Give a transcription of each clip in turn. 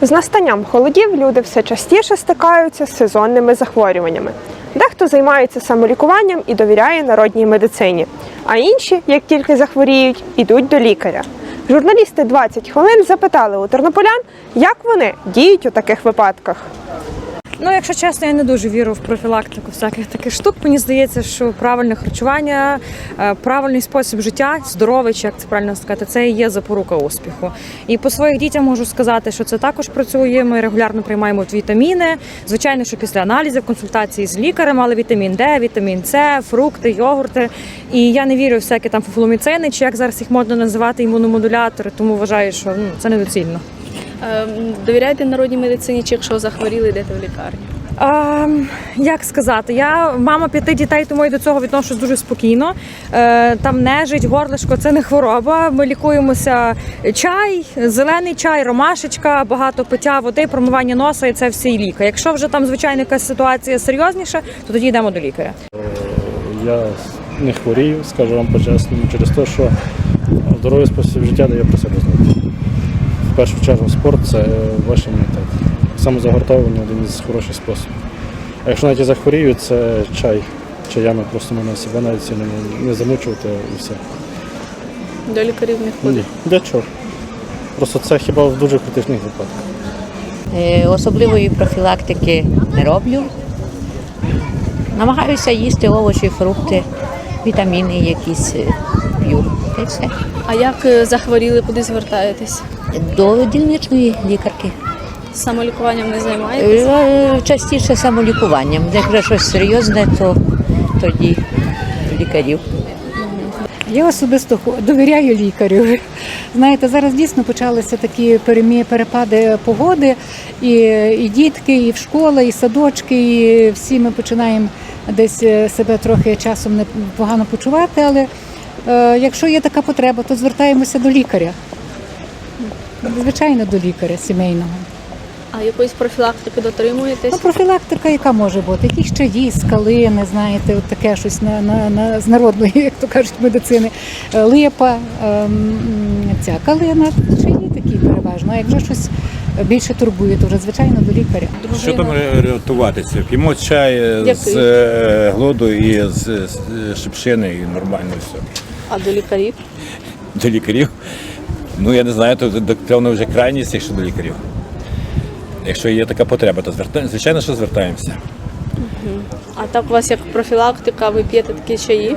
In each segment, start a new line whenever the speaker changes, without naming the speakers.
З настанням холодів люди все частіше стикаються з сезонними захворюваннями. Дехто займається самолікуванням і довіряє народній медицині, а інші, як тільки захворіють, ідуть до лікаря. Журналісти 20 хвилин запитали у тернополян, як вони діють у таких випадках.
Якщо чесно, я не дуже вірю в профілактику всяких таких штук. Мені здається, що правильне харчування, правильний спосіб життя, здоровий, чи як це правильно сказати, це і є запорука успіху. І по своїх дітям можу сказати, що це також працює. Ми регулярно приймаємо вітаміни. Звичайно, що після аналізів, консультації з лікарем, але вітамін Д, вітамін С, фрукти, йогурти. І я не вірю в всякі там фуфломіцини, чи як зараз їх можна називати, імуномодулятори, тому вважаю, що це недоцільно.
Довіряєте народній медицині, чи якщо захворіли, йдете в лікарню?
Як сказати, я мама 5 дітей, тому я до цього відношусь дуже спокійно. Там нежить, горлишко – це не хвороба. Ми лікуємося чай, зелений чай, ромашечка, багато пиття води, промивання носа і це всі ліки. Якщо вже там, звичайно, якась ситуація серйозніша, то тоді йдемо до лікаря.
Я не хворію, скажу вам по-чесному, через те, що здоровий спосіб життя дає про себе знати. В першу чергу спорт – це ваш імунітет. Самозагортовування – один із хороших способів. А якщо навіть і захворію, це чаями просто мене себе навіть сильно не замучувати і все.
До лікарів не ходите?
Ні, для чого? Просто це хіба в дуже критичних випадках.
Особливої профілактики не роблю. Намагаюся їсти овочі, фрукти, вітаміни якісь п'ю. І все.
А як захворіли, куди звертаєтесь?
До дільничної лікарки.
Самолікуванням не займаєтесь?
Частіше самолікуванням. Якщо щось серйозне, то тоді лікарів.
Я особисто довіряю лікарю. Знаєте, зараз дійсно почалися такі перепади погоди, і дітки, і в школи, і садочки, і всі ми починаємо десь себе трохи часом непогано почувати, але якщо є така потреба, то звертаємося до лікаря. Звичайно, до лікаря сімейного.
А якоїсь профілактики дотримуєтесь?
Профілактика яка може бути? Якісь чаї з калини, знаєте, от таке щось з народної, як то кажуть, медицини. Липа, ця калина, чаї такі переважно. А як вже щось більше турбує, то вже, звичайно, до лікаря.
Що там рятуватися? П'ємо чай з глоду і з шипшини, і нормально все.
А до лікарів?
До лікарів? Я не знаю, то певно вже крайність, якщо до лікарів. Якщо є така потреба, то звичайно, що звертаємося.
А так у вас як профілактика, ви п'єте такі чаї?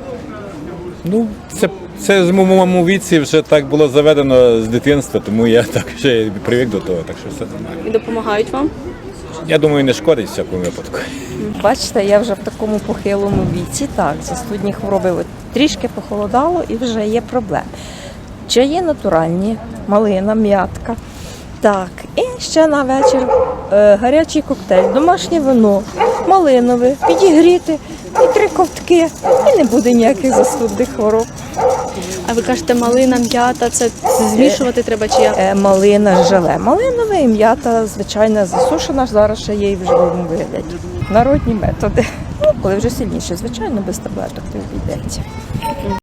Це в моєму віці вже так було заведено з дитинства, тому я так вже привик до того, так що все нормально.
І допомагають вам?
Я думаю, не шкодить в всякому випадку.
Бачите, я вже в такому похилому віці, так, застудні хвороби. Трішки похолодало і вже є проблеми. Чаї натуральні, малина, м'ятка. Так, і ще на вечір гарячий коктейль, домашнє вино, малинове, підігріти і 3 ковтки, і не буде ніяких застудних хвороб.
А ви кажете, малина, м'ята, це змішувати треба чи як?
Малина, желе. Малинове і м'ята, звичайно, засушена, зараз ще є і в живому вигляді. Народні методи. Коли вже сильніше, звичайно, без таблеток не обійдеться.